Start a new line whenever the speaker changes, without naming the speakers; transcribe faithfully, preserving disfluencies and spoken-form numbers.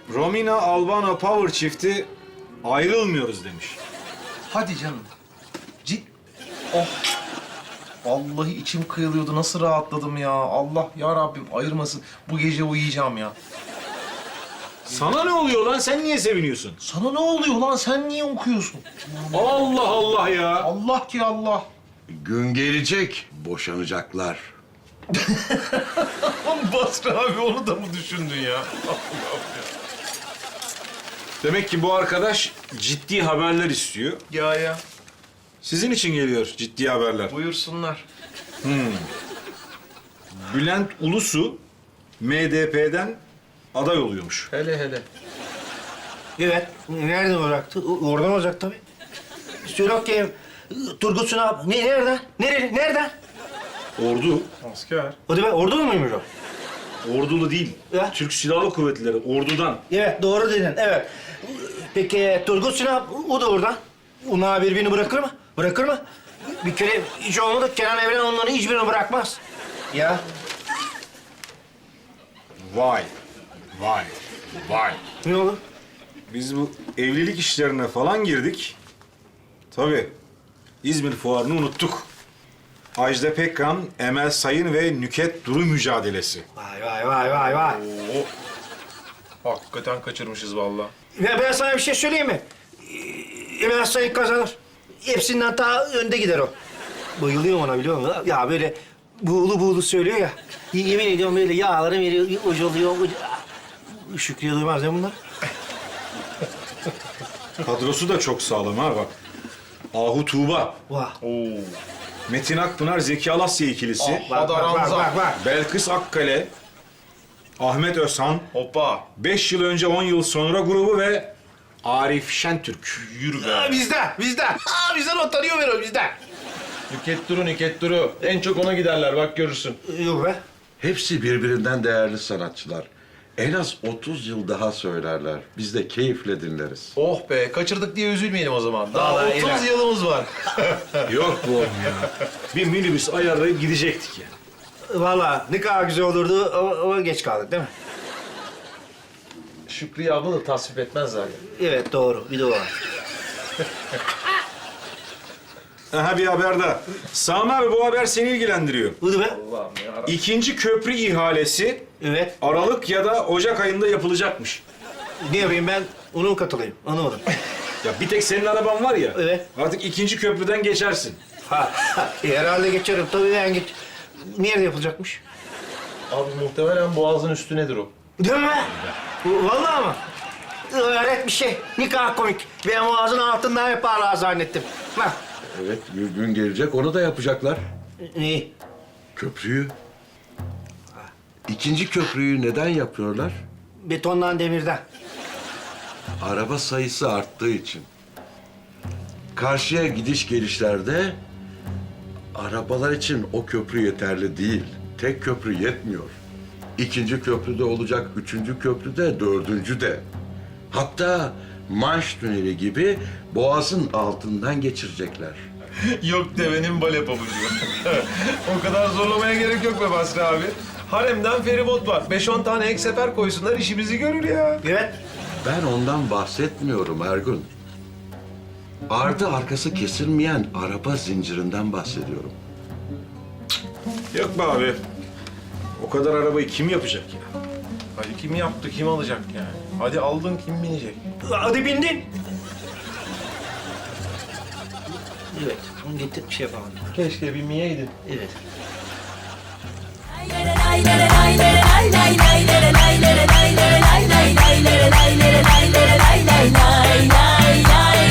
Romina Albano Power çifti ayrılmıyoruz demiş.
Hadi canım. Cid... Oh. Vallahi içim kıyılıyordu. Nasıl rahatladım ya. Allah ya Rabbim ayırmasın. Bu gece uyuyacağım ya.
Sana ne oluyor lan? Sen niye seviniyorsun?
Sana ne oluyor lan? Sen niye okuyorsun?
Allah Allah ya.
Allah ki Allah.
Gün gelecek, boşanacaklar.
Basri abi onu da mı düşündün ya?
Demek ki bu arkadaş ciddi haberler istiyor.
Ya ya.
Sizin için geliyor ciddi haberler.
Buyursunlar.
Bülent Ulusu M D P'den aday oluyormuş.
Hele hele.
Evet. Nereden olacaktı? O- Oradan olacak tabii. Söyle ki Turgut Sunal. Ne, nereden? Nerede? Nereden?
Ordu.
Asker.
O da ben ordulu muymuş o?
Ordulu değil.
Ya.
Türk Silahlı Kuvvetleri. Ordudan.
Evet, doğru dedin. Evet. Peki Turgut Sunal, o da oradan. Onlar birbirini bırakır mı? Bırakır mı? Bir kere hiç olmadı. Kenan Evren onların hiçbirini bırakmaz. Ya.
Vay. Vay. Vay.
Ne olur?
Biz bu evlilik işlerine falan girdik. Tabii. İzmir Fuarı'nı unuttuk. Ajda Pekkan, Emel Sayın ve Nüket Duru mücadelesi.
Vay vay vay vay vay.
Oo. Hakikaten kaçırmışız vallahi.
Ya ben sana bir şey söyleyeyim mi? Ee, Emel Sayın kazanır. Hepsinden daha önde gider o. Bayılıyorum ona biliyor musun? Ya böyle buğulu buğulu söylüyor ya. Yemin ediyorum böyle yağları veriyor, uculuyor. Uc- Şükrü'ye duymaz ya bunlar.
Kadrosu da çok sağlam ha bak. Ahu Tuğba,
Vah.
Oo.
Metin Akpınar, Zeki Alasya ikilisi,
Ah.
Bak, bak, bak, bak, bak.
Belkıs Akkale, Ahmet Özhan,
Hoppa.
beş yıl önce on yıl sonra grubu ve Arif Şentürk.
Yürü be.
Aa, bizden, bizden. Aa, bizden o tanıyor beni o bizden.
Nüket Duru, Nüket Duru. En çok ona giderler bak görürsün.
Yok be.
Hepsi birbirinden değerli sanatçılar. En az otuz yıl daha söylerler. Biz de keyifle dinleriz.
Oh be, kaçırdık diye üzülmeyelim o zaman. Daha
Vallahi
otuz
helal.
yılımız var.
Yok bu oğlum ya. Bir minibüs ayarlayıp gidecektik ya.
Vallahi ne kadar güzel olurdu ama geç kaldık değil mi?
Şükriye abla da tasvip etmez zaten.
Evet doğru, bir de o var.
Aha bir haber daha. Sami abi bu haber seni ilgilendiriyor.
Buydu be.
Allah'ım ya.
İkinci köprü ihalesi
Evet.
Aralık ya da Ocak ayında yapılacakmış.
Ne yapayım ben? Ona mı katılayım? Anlamadım.
Ya bir tek senin araban var ya.
Evet.
Artık ikinci köprüden geçersin.
Ha, e, herhalde geçerim. Tabii ben geç. Nerede yapılacakmış?
Abi muhtemelen boğazın üstünedir o.
Değil mi? Bu- Vallahi ama. Öğret bir şey. Ne kadar komik. Ben boğazın altından yaparlar zannettim. Bak.
Evet, bir gün gelecek onu da yapacaklar.
İyi.
Köprüyü. İkinci köprüyü neden yapıyorlar?
Betondan demirden.
Araba sayısı arttığı için. Karşıya gidiş gelişlerde arabalar için o köprü yeterli değil. Tek köprü yetmiyor. İkinci köprüde olacak, üçüncü köprüde, dördüncü de. Hatta Manş Tüneli gibi boğazın altından geçirecekler.
Yok devenin bale pabucu. O kadar zorlamaya gerek yok be Basri abi. Haremden feribot var. Beş on tane ek sefer koysunlar işimizi görür ya.
Evet.
Ben ondan bahsetmiyorum Ergun. Ardı arkası kesilmeyen araba zincirinden bahsediyorum.
Yok be abi. O kadar arabayı kim yapacak ya?
Hadi kim yaptı, kim alacak yani? Hadi aldın, kim binecek?
Hadi bindin. Evet. Onu getir bir şey yapalım.
Keşke binmeyeydin.
Evet.
Lay lay lay lay lay lay lay lay lay lay.